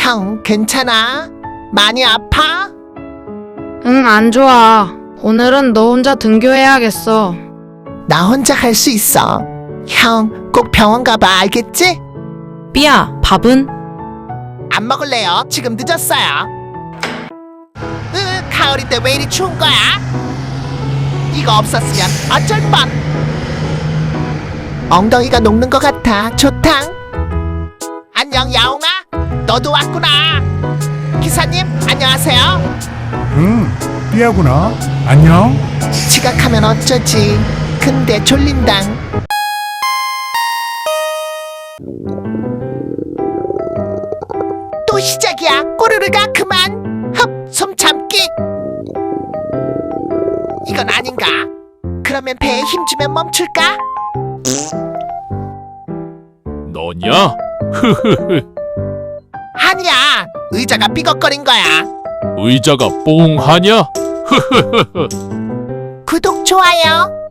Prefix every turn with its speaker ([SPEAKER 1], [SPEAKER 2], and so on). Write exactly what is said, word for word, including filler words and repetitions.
[SPEAKER 1] 형, 괜찮아? 많이 아파?
[SPEAKER 2] 응, 안 좋아. 오늘은 너 혼자 등교해야겠어.
[SPEAKER 1] 나 혼자 갈 수 있어. 형, 꼭 병원 가봐, 알겠지?
[SPEAKER 3] 삐야, 밥은?
[SPEAKER 1] 안 먹을래요. 지금 늦었어요. 으, 가을인데 왜 이리 추운 거야? 이거 없었으면 어쩔 뻔. 엉덩이가 녹는 것 같아. 좋당. 안녕, 야옹아. 너도 왔구나. 기사님, 안녕하세요.
[SPEAKER 4] 응, 삐야구나. 안녕.
[SPEAKER 1] 지각하면 어쩌지. 근데 졸린당. 또 시작이야. 꼬르르가 그만. 흡, 숨 참기. 이건 아닌가? 그러면 배에 힘 주면 멈출까?
[SPEAKER 5] 너냐?
[SPEAKER 1] 아니야. 의자가 삐걱거린 거야.
[SPEAKER 5] 의자가 뽕하냐?
[SPEAKER 1] 구독, 좋아요.